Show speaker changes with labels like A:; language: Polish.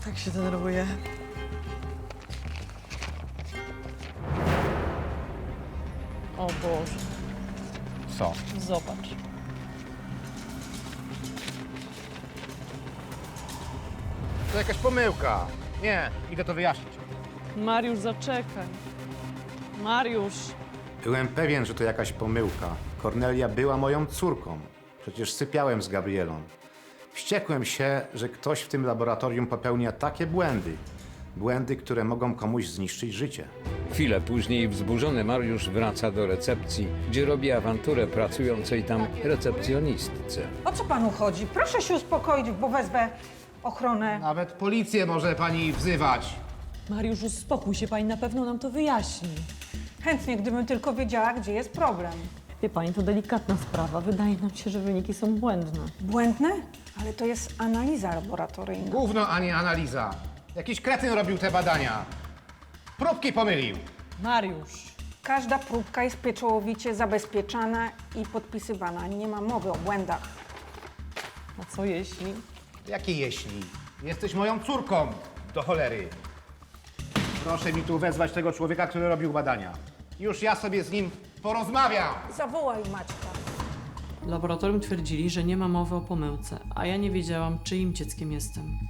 A: Tak się denerwuję. O Boże,
B: Co?
A: zobacz.
B: To jakaś pomyłka. Nie, idę to wyjaśnić.
A: Mariusz, zaczekaj. Mariusz.
B: Byłem pewien, że to jakaś pomyłka. Kornelia była moją córką. Przecież sypiałem z Gabrielą. Wściekłem się, że ktoś w tym laboratorium popełnia takie błędy. Błędy, które mogą komuś zniszczyć życie.
C: Chwilę później wzburzony Mariusz wraca do recepcji, gdzie robi awanturę pracującej tam recepcjonistce.
D: O co panu chodzi? Proszę się uspokoić, bo wezmę ochronę.
B: Nawet policję może pani wzywać.
A: Mariusz, uspokój się, pani na pewno nam to wyjaśni.
D: Chętnie, gdybym tylko wiedziała, gdzie jest problem.
A: Wie pani, to delikatna sprawa. Wydaje nam się, że wyniki są błędne.
D: Błędne? Ale to jest analiza laboratoryjna.
B: Gówno, a nie analiza. Jakiś kretyn robił te badania. Próbki pomylił.
A: Mariusz.
D: Każda próbka jest pieczołowicie zabezpieczana i podpisywana. Nie ma mowy o błędach.
A: A co jeśli?
B: Jakie jeśli? Jesteś moją córką. Do cholery. Proszę mi tu wezwać tego człowieka, który robił badania. Już ja sobie z nim porozmawiam.
D: Zawołaj Maćka.
E: W laboratorium twierdzili, że nie ma mowy o pomyłce, a ja nie wiedziałam, czyim dzieckiem jestem.